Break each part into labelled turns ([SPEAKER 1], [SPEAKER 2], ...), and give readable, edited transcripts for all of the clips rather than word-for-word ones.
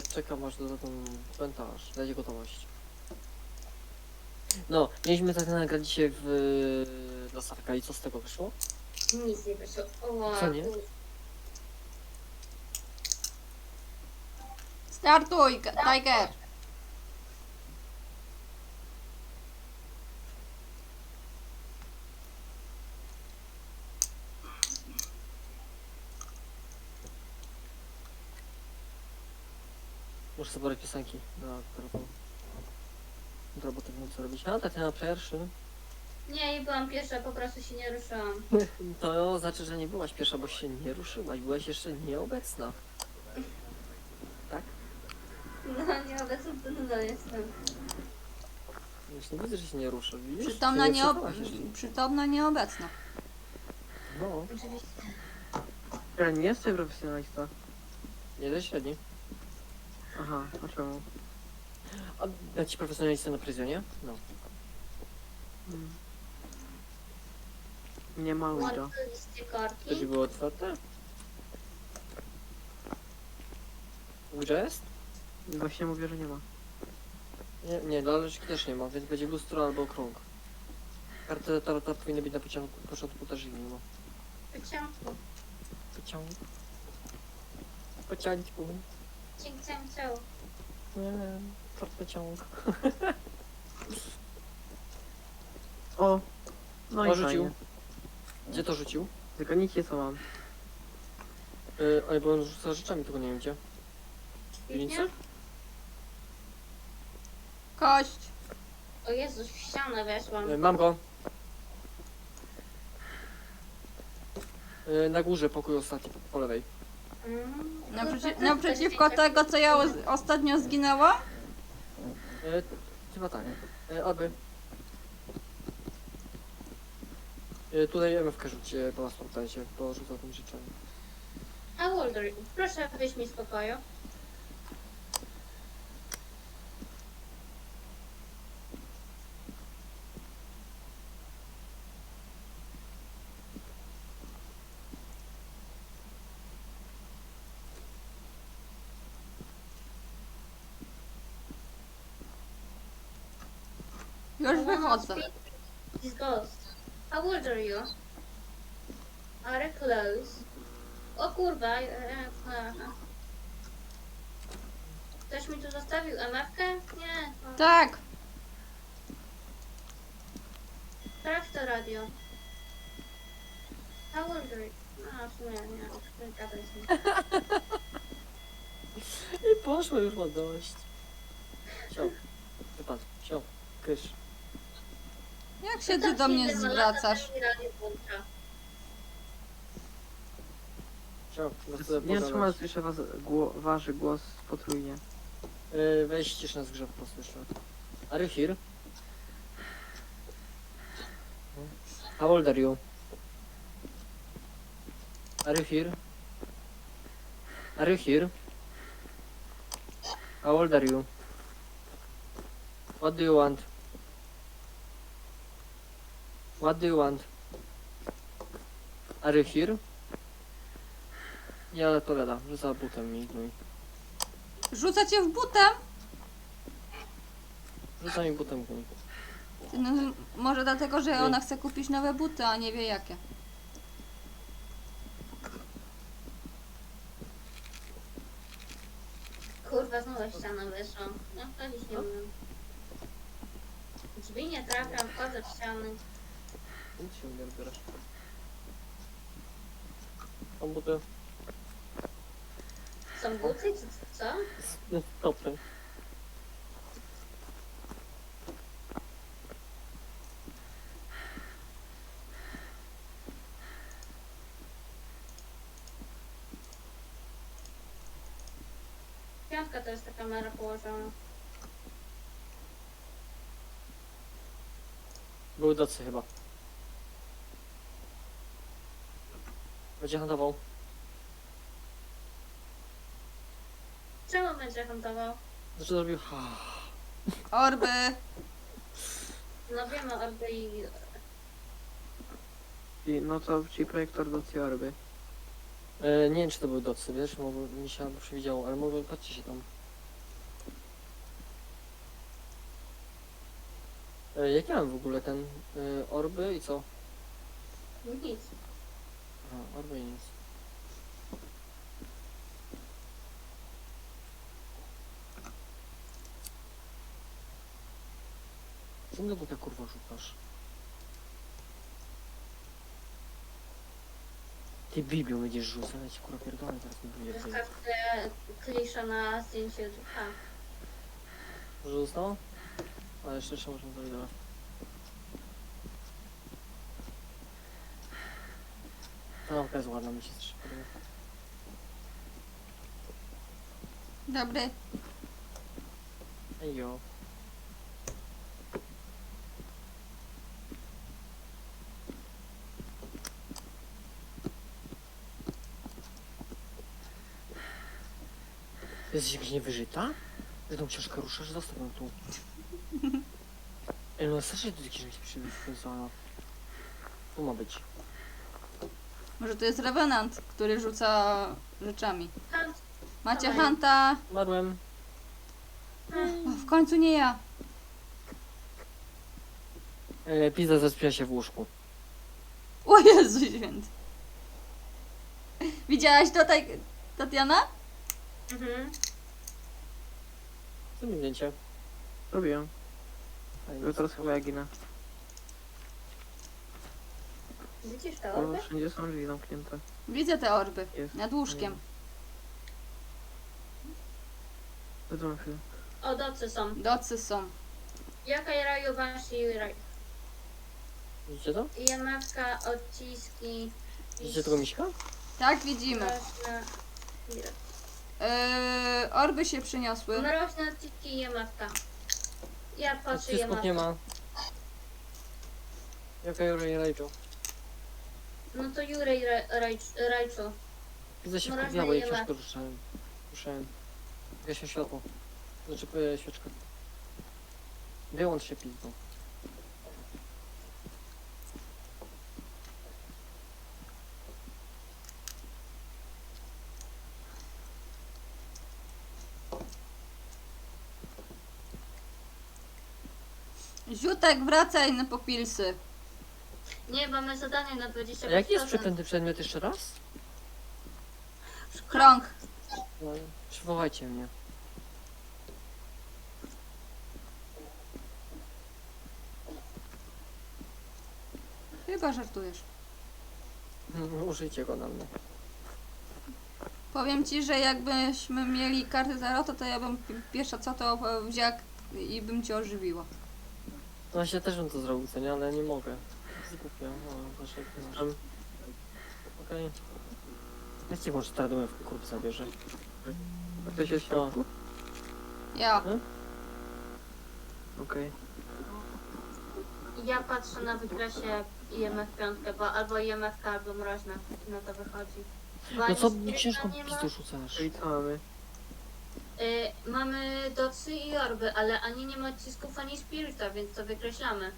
[SPEAKER 1] czekam aż do ten komentarz, dajcie gotowość. No, mieliśmy tak nagrać dzisiaj w Lasarka i co z tego wyszło?
[SPEAKER 2] Nic nie wyszło. O,
[SPEAKER 1] Co nie?
[SPEAKER 3] Startuj, Tiger!
[SPEAKER 1] Muszę zabrać piosenki na telefon. Do roboty wiem co robić. A, Tatiana pierwszy.
[SPEAKER 2] Nie, nie byłam pierwsza, po prostu się nie ruszyłam.
[SPEAKER 1] To znaczy, że nie byłaś pierwsza, bo się nie ruszyłaś. Byłaś jeszcze nieobecna. Tak?
[SPEAKER 2] No, nieobecna to nadal jestem.
[SPEAKER 1] Już nie widzę, że się nie ruszy. Widzisz?
[SPEAKER 3] Przytomna,
[SPEAKER 1] Się nie przekonałaś jeszcze.
[SPEAKER 3] przytomna nieobecna.
[SPEAKER 1] No,
[SPEAKER 2] Oczywiście.
[SPEAKER 4] Ja nie jestem profesjonalista.
[SPEAKER 1] nie dość średni.
[SPEAKER 4] Aha, a czemu?
[SPEAKER 1] A ja ci profesjonalistę na pryzjonie? No.
[SPEAKER 4] Hmm. Nie ma Wida.
[SPEAKER 2] Łatwiliście
[SPEAKER 1] To
[SPEAKER 2] korki.
[SPEAKER 1] ci było otwarte? Gdzie jest?
[SPEAKER 4] Właśnie mówię, że nie ma.
[SPEAKER 1] Nie, dla laleczki też nie ma, więc będzie lustro albo krąg. Karty tarota powinny być na początku też nie ma.
[SPEAKER 2] Pociągu.
[SPEAKER 1] Pociąg. Pociągu.
[SPEAKER 2] Cięg, cięg, ciąg.
[SPEAKER 1] Nie, pociąg.
[SPEAKER 4] O! No i
[SPEAKER 1] O, rzucił.
[SPEAKER 4] fajnie.
[SPEAKER 1] Gdzie to rzucił?
[SPEAKER 4] Tylko nic nie co mam.
[SPEAKER 1] Ale bo on rzuca rzeczami, tylko nie wiem gdzie. W piwnicy?
[SPEAKER 3] Kość!
[SPEAKER 2] O Jezus, w ścianę weszłam.
[SPEAKER 1] Mam go. Na górze pokój ostatni, po lewej.
[SPEAKER 3] Naprzeciwko tego, co ja ostatnio zginęłam?
[SPEAKER 1] Chyba tak. Alby. Tutaj MFK rzućcie, po nas pamiętajcie, bo rzuca tym rzeczami.
[SPEAKER 2] A Walder, proszę wyjść mi z pokoju.
[SPEAKER 3] Już wychodzę.
[SPEAKER 2] This ghost. How old are you? Are close. O kurwa. Aha. Ktoś mi tu zostawił MF-kę? Nie. O,
[SPEAKER 3] Tak!
[SPEAKER 2] sprawdź to radio. How old are you? A, w sumie nie. Nie gadaj z nim.
[SPEAKER 1] I poszło już ma dość. Siał. Wypadł. Siał. Kysz.
[SPEAKER 3] Jak się ty do mnie zwracasz?
[SPEAKER 1] Siał.
[SPEAKER 4] Nie wiem, czemu słyszę wasz głos potrójnie.
[SPEAKER 1] Weź ciszę na zgrze po prostu jeszcze. Are you here? How old are you? Are you here? Are you here? How old are you? What do you want? What do you want? Are you here? Nie odpowiada, że za butem mi gnój.
[SPEAKER 3] Rzuca cię w butem?
[SPEAKER 1] Rzuca mi butem gnój.
[SPEAKER 3] Ty, no, może dlatego, że ona chce kupić nowe buty, a nie wie jakie.
[SPEAKER 2] Kurwa, znowu w ścianę wyszłam. No, chodzić nie umiem. Drzwi nie trafiam, wchodzę w ściany.
[SPEAKER 1] Nic się nie odbierasz. Są buty.
[SPEAKER 2] Są buty, czy co?
[SPEAKER 1] Stopy.
[SPEAKER 2] Piątka to jest ta kamera położona.
[SPEAKER 1] Były docy chyba. Będzie handlował.
[SPEAKER 2] Czemu będzie huntował?
[SPEAKER 1] Znaczy zrobił ha.
[SPEAKER 3] Orby!
[SPEAKER 2] No wiemy, orby i...
[SPEAKER 4] I no to ci projektor do Ciorby.
[SPEAKER 1] Nie wiem czy to były docy, wiesz, może mi się albo przewidziało, ale może patrzcie się tam. Jak ja mam w ogóle ten orby i co?
[SPEAKER 2] Nic.
[SPEAKER 1] Aha, orby i nic. Co mnie tutaj kurwa szukasz? Ty Biblią będziesz rzucać, kurwa pierdolę, teraz mi wyjdzie.
[SPEAKER 2] Zostawcie klisza na zdjęciu ducha.
[SPEAKER 1] Może zostało? Ale jeszcze możemy to widać. Ta lampka jest ładna, mi się też podoba.
[SPEAKER 3] Dobry.
[SPEAKER 1] Ejo. Jesteś jakaś niewyżyta? Że tą książkę ruszasz? Zostaw ją tu. Ej, no strasznie tu książki przywiązana. Tu ma być.
[SPEAKER 3] Może to jest Revenant, który rzuca rzeczami.
[SPEAKER 2] Hunt.
[SPEAKER 3] Macie
[SPEAKER 2] Dawaj.
[SPEAKER 3] Hanta.
[SPEAKER 1] Umarłem.
[SPEAKER 3] O, w końcu nie ja.
[SPEAKER 1] Pizza zaspiła się w łóżku.
[SPEAKER 3] O Jezu święty. Widziałaś to, Tatiana?
[SPEAKER 2] Mhm.
[SPEAKER 1] Co mi zdjęcie?
[SPEAKER 4] Robiłem.
[SPEAKER 1] Fajnie.
[SPEAKER 4] To teraz chyba ja ginę.
[SPEAKER 2] Widzisz to?
[SPEAKER 4] Bo
[SPEAKER 2] Orby?
[SPEAKER 4] wszędzie są drzwi zamknięte.
[SPEAKER 3] Widzę te orby.
[SPEAKER 4] Jest.
[SPEAKER 3] Nad łóżkiem.
[SPEAKER 4] Wezmę chwilę.
[SPEAKER 2] O, docy są.
[SPEAKER 3] Docy są.
[SPEAKER 2] Jaka raju Banshee
[SPEAKER 1] Widzicie to?
[SPEAKER 2] IMF-ka, odciski.
[SPEAKER 1] Widzicie tego miśka?
[SPEAKER 3] Tak, widzimy.
[SPEAKER 2] Mroźne.
[SPEAKER 3] Orby się przyniosły.
[SPEAKER 2] Mroźne odciski IMF-ka. Ja patrzę
[SPEAKER 1] Odcisków nie
[SPEAKER 2] IMF.
[SPEAKER 1] ma. Jaka Jurej Rachel?
[SPEAKER 2] No to Jurej Rajczu.
[SPEAKER 1] Widzę się
[SPEAKER 2] Mroźne
[SPEAKER 1] wkurwiało i
[SPEAKER 2] IMF.
[SPEAKER 1] książkę ruszałem. Ruszałem. Gaśnie światło. Znaczy świeczkę. Wyłącz się pizdą.
[SPEAKER 3] Ziutek, wracaj na popilsy.
[SPEAKER 2] Nie, mamy zadanie na 25%.
[SPEAKER 1] A jaki jest przeklęty przedmiot jeszcze raz?
[SPEAKER 3] Krąg.
[SPEAKER 1] No, przywołajcie mnie.
[SPEAKER 3] Chyba żartujesz.
[SPEAKER 1] Użyjcie go na mnie.
[SPEAKER 3] Powiem ci, że jakbyśmy mieli karty Tarota, to ja bym pierwsza co to wzięła i bym cię ożywiła.
[SPEAKER 1] No właśnie też bym to zrobił, co nie? Ale nie mogę. Zgubię. O, proszę, jestem. Okej. Ja ci może traduję w kurw zabierze.
[SPEAKER 4] A ktoś jest w środku?
[SPEAKER 3] Ja.
[SPEAKER 4] Okej.
[SPEAKER 2] Ja patrzę na wykresie IMF 5, bo albo IMF, albo mroźne. No to wychodzi. Bo
[SPEAKER 1] No
[SPEAKER 2] ani
[SPEAKER 1] co
[SPEAKER 2] spiryta
[SPEAKER 1] ciężką
[SPEAKER 2] nie ma.
[SPEAKER 1] pizdu rzucasz?
[SPEAKER 4] Czyli co mamy?
[SPEAKER 2] Mamy docy i orby, ale ani nie ma odcisków, ani spirita, więc to wykreślamy.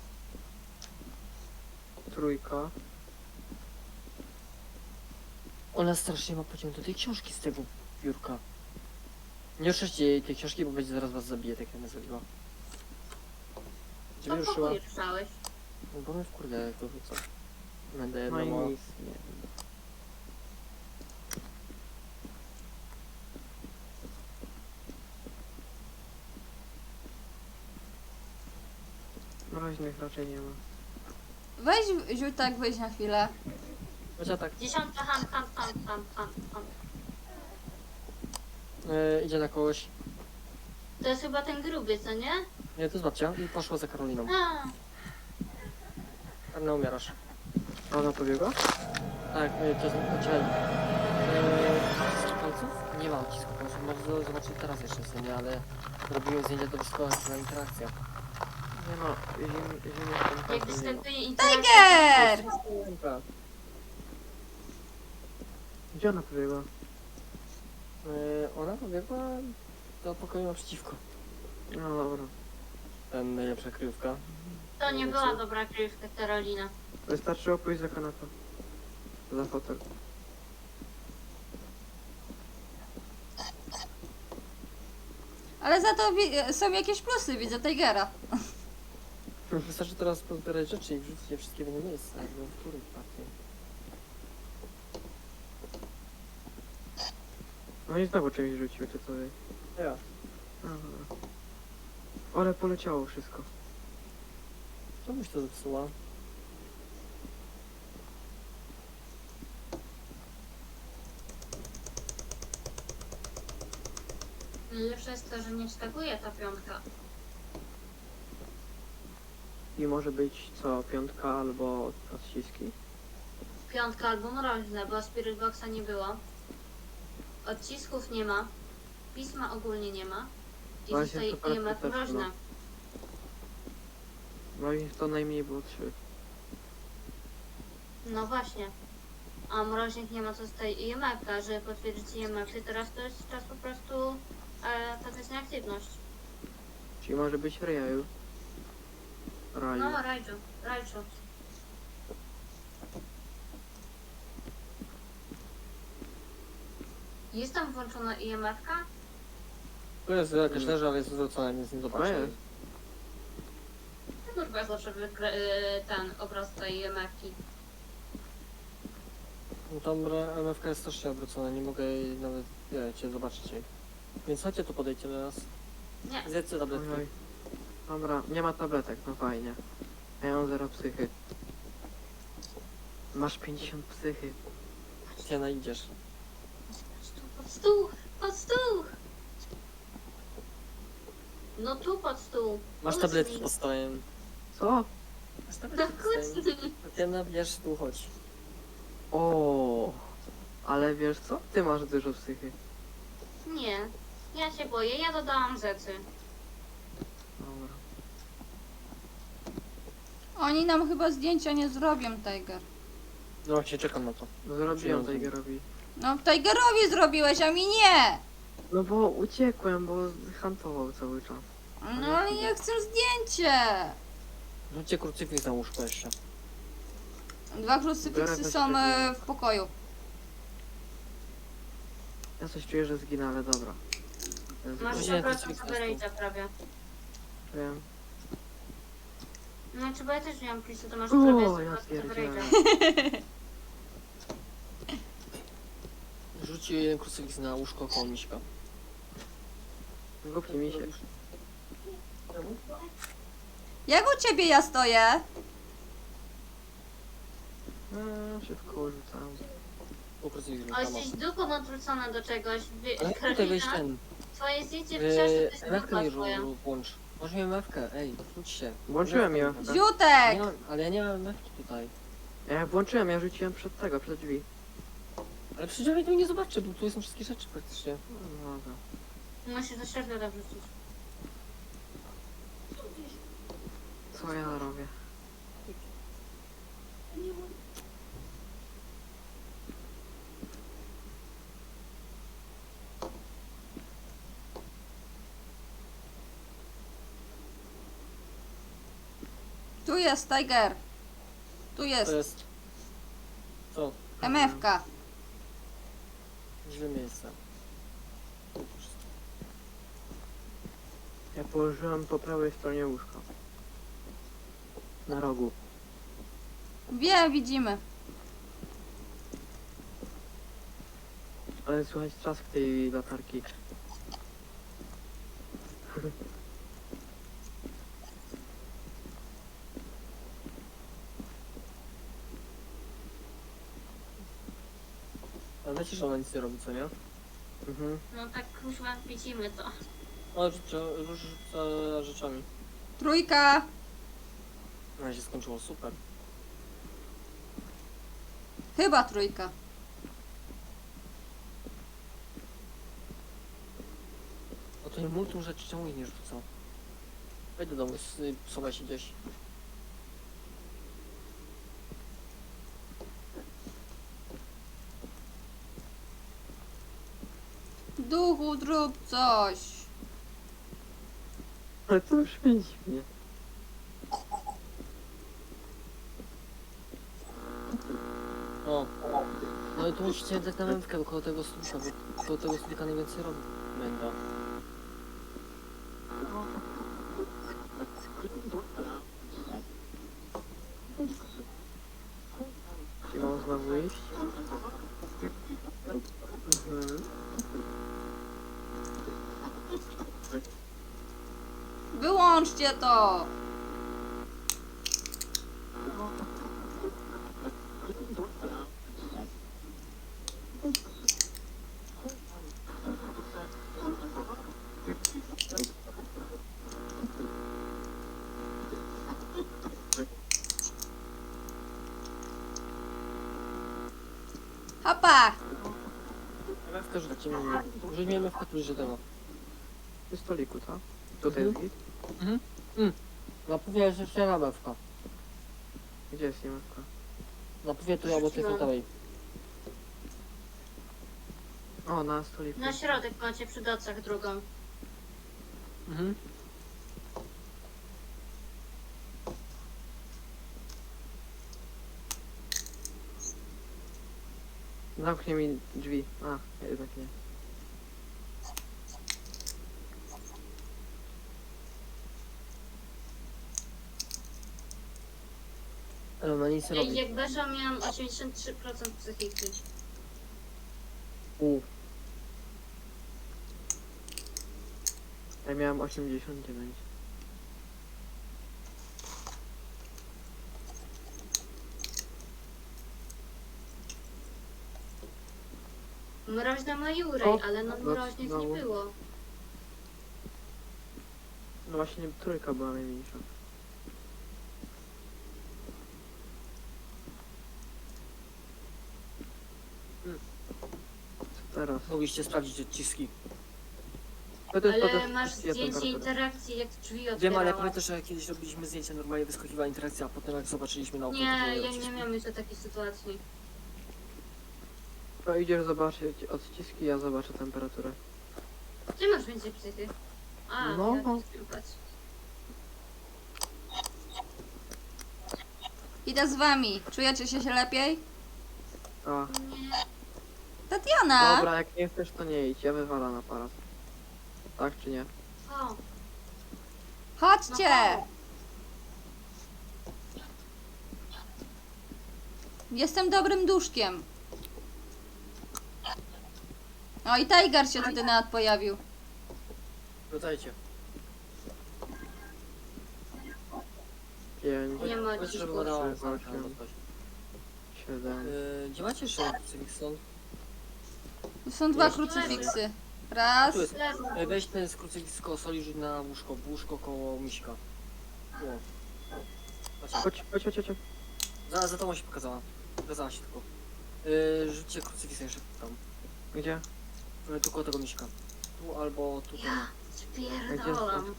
[SPEAKER 4] Trójka.
[SPEAKER 1] Ona strasznie ma pociąg do tej książki z tego biurka. Nie ruszajcie jej tej książki, bo będzie zaraz was zabije, tak jak mnie zabiła. Gdzie
[SPEAKER 2] To
[SPEAKER 1] mnie ruszyła?
[SPEAKER 2] pokój ruszałeś.
[SPEAKER 1] No bo mnie wkurwia jak to rzuca. Będę
[SPEAKER 4] No
[SPEAKER 1] jedno
[SPEAKER 4] i
[SPEAKER 1] mało.
[SPEAKER 4] nic, nie. Mroźnych raczej nie ma.
[SPEAKER 3] Weź Ziutek, wyjdź na chwilę.
[SPEAKER 1] Chociaż tak,
[SPEAKER 2] 10 hand.
[SPEAKER 1] idzie na kogoś.
[SPEAKER 2] To jest chyba ten gruby, co nie?
[SPEAKER 1] Nie, to jest babcia i poszła za Karoliną.
[SPEAKER 2] A,
[SPEAKER 1] Karna umierasz.
[SPEAKER 4] A ona pobiegła?
[SPEAKER 1] Tak, to jest poczekaj. Palców? Nie ma odcisku palców, może zobaczyć teraz jeszcze co nie, ale robiłem zdjęcia do wyskoła, była interakcja.
[SPEAKER 4] Nie no, zimny
[SPEAKER 2] jak
[SPEAKER 4] ten nie ma.
[SPEAKER 2] występuje interakcja.
[SPEAKER 3] Tiger!
[SPEAKER 1] Piłka.
[SPEAKER 4] Gdzie ona pobiegła?
[SPEAKER 1] Ona pobiegła do pokoju naprzeciwko.
[SPEAKER 4] No dobra.
[SPEAKER 1] Ten najlepsza kryjówka.
[SPEAKER 2] To nie była dobra kryjówka Karolina.
[SPEAKER 4] Wystarczyło pójść za kanapę. Za fotel.
[SPEAKER 3] Ale za to są jakieś plusy, widzę Tigera.
[SPEAKER 1] Wystarczy teraz pozbierać rzeczy i wrzucić je wszystkie w jedno miejsce, jakby w których partii.
[SPEAKER 4] No i znowu czymś rzuciły, czy co?
[SPEAKER 1] Ja.
[SPEAKER 4] Aha. Ale poleciało wszystko.
[SPEAKER 1] Czemuś to zepsuła?
[SPEAKER 2] Lepsze jest to, że nie wskakuje ta piątka.
[SPEAKER 4] I może być co? Piątka albo odciski?
[SPEAKER 2] Piątka albo mroźne, bo Spirit Boxa nie było. Odcisków nie ma. Pisma ogólnie nie ma. I
[SPEAKER 4] Właśnie,
[SPEAKER 2] zostaje
[SPEAKER 4] super,
[SPEAKER 2] IMF
[SPEAKER 4] też, no.
[SPEAKER 2] mroźne.
[SPEAKER 4] No i to najmniej było 3.
[SPEAKER 2] No właśnie. A mroźnych nie ma, co zostaje IMF-ka. Żeby potwierdzić IMF, i teraz to jest czas po prostu taka nieaktywność.
[SPEAKER 4] Czyli może być Raju. Raju.
[SPEAKER 2] No, Rajczu. Jest tam włączona IMF-ka?
[SPEAKER 1] To jest jakaś leży, ale jest zwrócona, więc nie
[SPEAKER 4] No
[SPEAKER 1] zobaczę.
[SPEAKER 4] jest.
[SPEAKER 2] Kurwa, zawsze ten obraz tej IMF-ki.
[SPEAKER 1] No tam MFK jest też się odwrócona, nie mogę jej nawet, wiecie, zobaczyć jej. Więc chodźcie tu, podejdźcie do nas.
[SPEAKER 2] Nie.
[SPEAKER 1] Zjedzcie tabletki.
[SPEAKER 4] Ojoj. Dobra, nie ma tabletek, no fajnie. Ja mam 0 psychy. Masz 50 psychy.
[SPEAKER 1] Gdzie idziesz?
[SPEAKER 2] Pod stół! Pod stół! No tu pod stół.
[SPEAKER 1] Masz
[SPEAKER 2] Kucnij.
[SPEAKER 1] tabletki pod stołem.
[SPEAKER 4] Co?
[SPEAKER 1] Masz
[SPEAKER 2] No
[SPEAKER 1] tabletki pod stołem.
[SPEAKER 2] kucnij.
[SPEAKER 1] Tatiana, bierz tu, chodź.
[SPEAKER 4] O, ale wiesz co? Ty masz dużo psychy.
[SPEAKER 2] Nie. Ja się boję, ja dodałam rzeczy.
[SPEAKER 4] Dobra.
[SPEAKER 3] Oni nam chyba zdjęcia nie zrobią, Tiger.
[SPEAKER 1] No właśnie, czekam na to.
[SPEAKER 4] No zrobiłem
[SPEAKER 1] Przyjąłem.
[SPEAKER 4] Tigerowi.
[SPEAKER 3] No, Tigerowi zrobiłeś, a mi nie!
[SPEAKER 4] No bo uciekłem, bo hantował cały czas.
[SPEAKER 3] No, ale ja chcę zdjęcie!
[SPEAKER 1] Rzućcie krucyfiks na łóżko jeszcze.
[SPEAKER 3] 2 krucyfiksy
[SPEAKER 4] Biorę
[SPEAKER 3] są
[SPEAKER 4] weź
[SPEAKER 3] w pokoju.
[SPEAKER 4] Ja coś czuję, że zginę, ale dobra.
[SPEAKER 2] Masz
[SPEAKER 1] Godzinę
[SPEAKER 2] 100%
[SPEAKER 1] krucyfiksa
[SPEAKER 2] coverage prawie.
[SPEAKER 4] Wiem.
[SPEAKER 2] No czy bo ja też miałam plisu, to masz
[SPEAKER 4] O,
[SPEAKER 2] prawie
[SPEAKER 4] ja
[SPEAKER 2] 100%
[SPEAKER 4] pierdzielę.
[SPEAKER 2] coverage'a.
[SPEAKER 1] Rzuć jeden krucyfiks na łóżko koło miśka.
[SPEAKER 4] Głupi mi się.
[SPEAKER 3] Jak u ciebie ja stoję?
[SPEAKER 4] Szybko rzucam.
[SPEAKER 1] O, krucyfiks
[SPEAKER 2] O,
[SPEAKER 1] tam.
[SPEAKER 2] jesteś duchą odwrócona do czegoś.
[SPEAKER 1] Ale jak tutaj wejść
[SPEAKER 2] Karolina,
[SPEAKER 1] ten?
[SPEAKER 2] twoje zdjęcie w książce to jest
[SPEAKER 1] MFK
[SPEAKER 2] ducha
[SPEAKER 1] mi
[SPEAKER 2] twoja.
[SPEAKER 1] włącz. Może miałem MFK, ej, wróć się.
[SPEAKER 4] Włączyłem ją.
[SPEAKER 1] MFK.
[SPEAKER 3] Ziutek!
[SPEAKER 1] Nie mam, ale ja nie mam MFK tutaj.
[SPEAKER 4] Ja włączyłem, ja rzuciłem przed tego, przed drzwi.
[SPEAKER 1] Ale przecież ja tego nie zobaczę, bo tu są wszystkie rzeczy praktycznie.
[SPEAKER 4] No dobra.
[SPEAKER 2] Musisz do środka wrzucić.
[SPEAKER 4] Co ja robię?
[SPEAKER 3] Tu jest Tiger. Tu
[SPEAKER 1] To
[SPEAKER 3] jest
[SPEAKER 1] jest... Co?
[SPEAKER 3] MFK.
[SPEAKER 1] Źle miejsce.
[SPEAKER 4] Ja położyłem po prawej stronie łóżka. Na rogu.
[SPEAKER 3] Wiem, widzimy.
[SPEAKER 4] Ale słuchaj, trzask tej latarki.
[SPEAKER 1] Ale wiecie, że ona nic nie robi, co nie?
[SPEAKER 4] Mhm.
[SPEAKER 2] No tak kuźwa, widzimy to.
[SPEAKER 1] O, rzuca rzeczami.
[SPEAKER 3] Trójka.
[SPEAKER 1] No się skończyło, super.
[SPEAKER 3] Chyba trójka.
[SPEAKER 1] No to nie multum rzeczy, czemu ich nie rzucał? Wejdź do domu, schowaj się gdzieś.
[SPEAKER 3] Duchu, zrób coś.
[SPEAKER 4] Ale to już świeci mnie.
[SPEAKER 1] O. No i tu musicie dać na mętkę koło tego stulka, bo koło tego stulka najwięcej robi męda.
[SPEAKER 3] Wyłączcie to! Hopa!
[SPEAKER 1] MFK rzucimy. Użyjmy MFK tu że tego.
[SPEAKER 4] Przy stoliku, tak? Tutaj
[SPEAKER 1] Mhm.
[SPEAKER 4] jest git.
[SPEAKER 1] Napówie jest jeszcze na MFK.
[SPEAKER 4] Gdzie jest niemewka?
[SPEAKER 1] Napówie tu albo tej frontowej.
[SPEAKER 4] O, na stoliku.
[SPEAKER 2] Na środek macie przy docach drugą.
[SPEAKER 1] Mhm.
[SPEAKER 4] Zamknie mi drzwi. A, jednak nie.
[SPEAKER 1] Ale ona nic nie
[SPEAKER 2] Ej,
[SPEAKER 1] robi.
[SPEAKER 2] jak weszłam miałam 83% psychiki.
[SPEAKER 4] Ja miałem 89.
[SPEAKER 2] Mroźna ma Jurej,
[SPEAKER 4] O,
[SPEAKER 2] ale no mroźnych
[SPEAKER 4] znowu.
[SPEAKER 2] nie było.
[SPEAKER 4] No właśnie trójka była najmniejsza. Co teraz?
[SPEAKER 1] Mogliście sprawdzić odciski.
[SPEAKER 2] Ale masz zdjęcie interakcji, jak drzwi
[SPEAKER 1] Wiem, ale
[SPEAKER 2] otwierałaś.
[SPEAKER 1] pamiętasz, że kiedyś robiliśmy zdjęcia, normalnie wyskakiwała interakcja, a potem jak zobaczyliśmy na oko, to
[SPEAKER 2] Nie,
[SPEAKER 1] były
[SPEAKER 2] ja nie
[SPEAKER 1] odciski.
[SPEAKER 2] miałam jeszcze takiej sytuacji.
[SPEAKER 4] To idziesz zobaczyć odciski, ja zobaczę temperaturę.
[SPEAKER 2] Ty masz więcej psychy. A,
[SPEAKER 4] No.
[SPEAKER 2] ja nie spróbować.
[SPEAKER 3] Idę z wami. Czujecie się lepiej?
[SPEAKER 4] A,
[SPEAKER 2] Nie.
[SPEAKER 3] Tatiana!
[SPEAKER 4] dobra, jak nie chcesz to nie idź, ja wywalam aparat. Tak czy nie?
[SPEAKER 2] O,
[SPEAKER 3] Chodźcie!
[SPEAKER 2] no.
[SPEAKER 3] Jestem dobrym duszkiem. O, i Tiger się tutaj nawet pojawił.
[SPEAKER 1] Wracajcie.
[SPEAKER 4] 5,
[SPEAKER 2] Nie ma
[SPEAKER 1] Powiedzcie, żeby
[SPEAKER 2] odcisków.
[SPEAKER 1] badała
[SPEAKER 4] Trzy,
[SPEAKER 1] zamknę
[SPEAKER 4] osiem.
[SPEAKER 1] albo coś.
[SPEAKER 4] 7.
[SPEAKER 1] Gdzie macie jeszcze Cywikson?
[SPEAKER 3] Tu są dwa
[SPEAKER 1] Jest.
[SPEAKER 3] krucyfiksy. Raz.
[SPEAKER 1] Tu jest.
[SPEAKER 2] Leży.
[SPEAKER 1] Weź ten z krucyfiks koło soli, rzuć na łóżko, w łóżko koło miśka. O. Patrzcie.
[SPEAKER 4] Chodź.
[SPEAKER 1] Za tobą się pokazała. Pokazała się tylko. Rzućcie krucyfiks jeszcze tam.
[SPEAKER 4] Gdzie?
[SPEAKER 1] Tu koło tego miśka. Tu albo tu.
[SPEAKER 2] Ja spierdolam.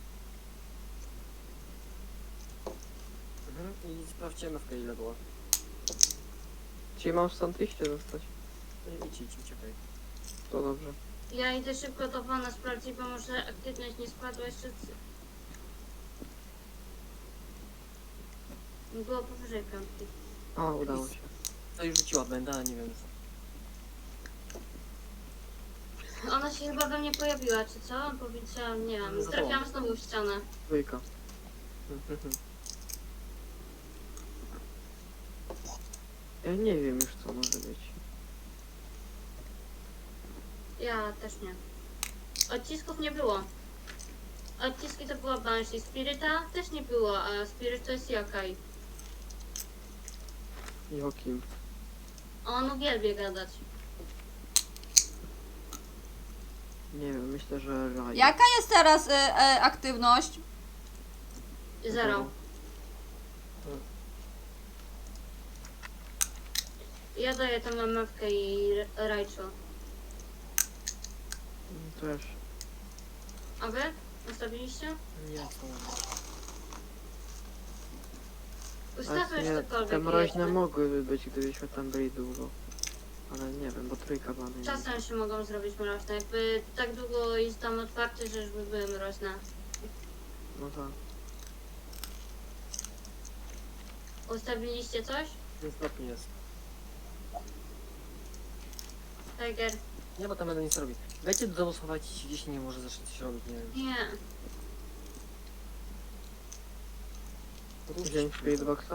[SPEAKER 1] I sprawdźcie MFK ile było.
[SPEAKER 4] Czyli mam stąd iść czy zostać?
[SPEAKER 1] Idź, uciekaj.
[SPEAKER 4] To dobrze.
[SPEAKER 2] Ja idę szybko to pana sprawdzić, bo może aktywność nie spadła jeszcze. Było powyżej piątki.
[SPEAKER 4] O, udało się.
[SPEAKER 1] To już rzuciła będę, ale nie wiem.
[SPEAKER 2] Ona się chyba we mnie pojawiła, czy co? Powiedziałam, nie wiem.
[SPEAKER 1] Za
[SPEAKER 2] Trafiłam
[SPEAKER 1] tobą.
[SPEAKER 2] znowu w ścianę.
[SPEAKER 4] Trójka. Ja nie wiem już co może być.
[SPEAKER 2] Ja też nie. Odcisków nie było. Odciski to była Banshee. Spiryta też nie było, a Spirit to jest Yokai.
[SPEAKER 4] Jokim.
[SPEAKER 2] On uwielbia gadać.
[SPEAKER 4] Nie wiem, myślę, że Raj.
[SPEAKER 3] Jaka jest teraz aktywność?
[SPEAKER 2] Zero. Ja daję tam MFK i Rachel.
[SPEAKER 4] Też.
[SPEAKER 2] A wy? Ustawiliście?
[SPEAKER 1] Nie, co?
[SPEAKER 2] Ustawmy już
[SPEAKER 4] Te
[SPEAKER 2] cokolwiek.
[SPEAKER 4] mroźne
[SPEAKER 2] jedźmy.
[SPEAKER 4] mogłyby być, gdybyśmy tam byli długo. Ale nie wiem, bo trójka była najmniejsza.
[SPEAKER 2] Czasem się mogą zrobić mroźne. Jakby tak długo jest tam otwarty, że już by były mroźne.
[SPEAKER 4] No tak.
[SPEAKER 2] Ustawiliście coś?
[SPEAKER 1] Niestety jest.
[SPEAKER 2] Tiger?
[SPEAKER 1] Nie, bo tam będę nic robić. Wejdźcie do domu, schowajcie się gdzieś, nie może zacząć coś robić, nie wiem.
[SPEAKER 2] Nie.
[SPEAKER 4] Wziąć Spiritboxa?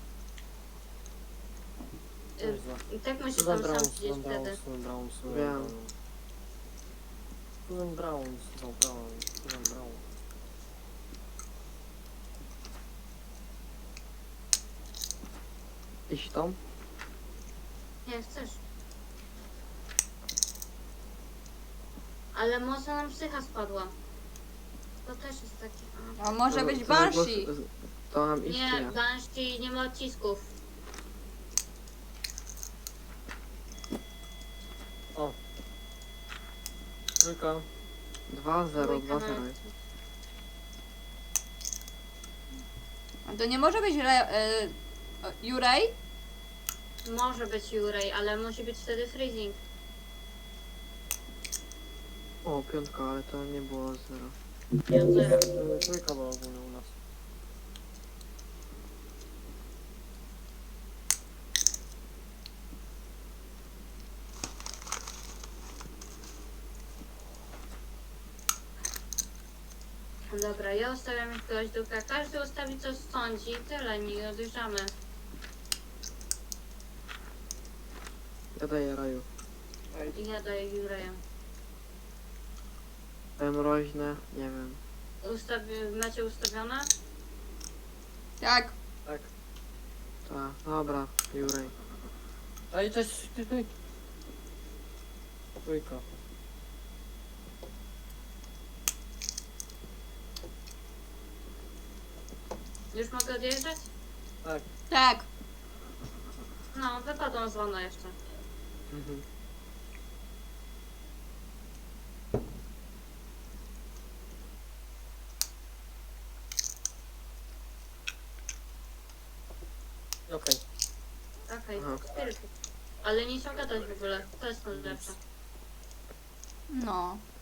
[SPEAKER 2] I tak musisz
[SPEAKER 1] Susan
[SPEAKER 2] tam
[SPEAKER 1] Brown,
[SPEAKER 2] sam siedzieć wtedy.
[SPEAKER 1] Susan Brown.
[SPEAKER 4] Wiem.
[SPEAKER 1] Susan Brown.
[SPEAKER 4] Iść tam?
[SPEAKER 2] Nie chcesz. Ale mocno nam psycha spadła. To też jest takie...
[SPEAKER 3] A może być
[SPEAKER 4] To
[SPEAKER 3] Banshee.
[SPEAKER 4] To mam iść czy
[SPEAKER 2] Nie,
[SPEAKER 4] nie?
[SPEAKER 2] Banshee nie ma odcisków.
[SPEAKER 1] O. Trójka.
[SPEAKER 4] 2-0, 2-0 jest.
[SPEAKER 3] A to nie może być Jurej?
[SPEAKER 2] Może być Jurej, ale musi być wtedy freezing.
[SPEAKER 4] O, piątka, ale to nie było 0.
[SPEAKER 2] Ja zero.
[SPEAKER 1] Trójka była ogólnie u nas.
[SPEAKER 2] Dobra, ja ustawiam jakiegoś duka. Każdy ustawi co sądzi i tyle, nie odjeżdżamy.
[SPEAKER 4] Ja daję raju.
[SPEAKER 2] I ja daję Jureja.
[SPEAKER 4] Mroźne, nie wiem.
[SPEAKER 2] Macie ustawione?
[SPEAKER 3] Tak.
[SPEAKER 1] Tak.
[SPEAKER 4] Tak, dobra, Jurej.
[SPEAKER 1] Ej, cześć, ty. Trójka.
[SPEAKER 2] Już mogę odjeżdżać?
[SPEAKER 1] Tak.
[SPEAKER 3] Tak.
[SPEAKER 2] No, wypadłam z wana jeszcze.
[SPEAKER 4] Mhm.
[SPEAKER 1] Okej.
[SPEAKER 2] Okej,
[SPEAKER 4] Aha.
[SPEAKER 2] spiryt. Ale nie trzeba gadać w ogóle. To jest najlepsze.
[SPEAKER 3] No.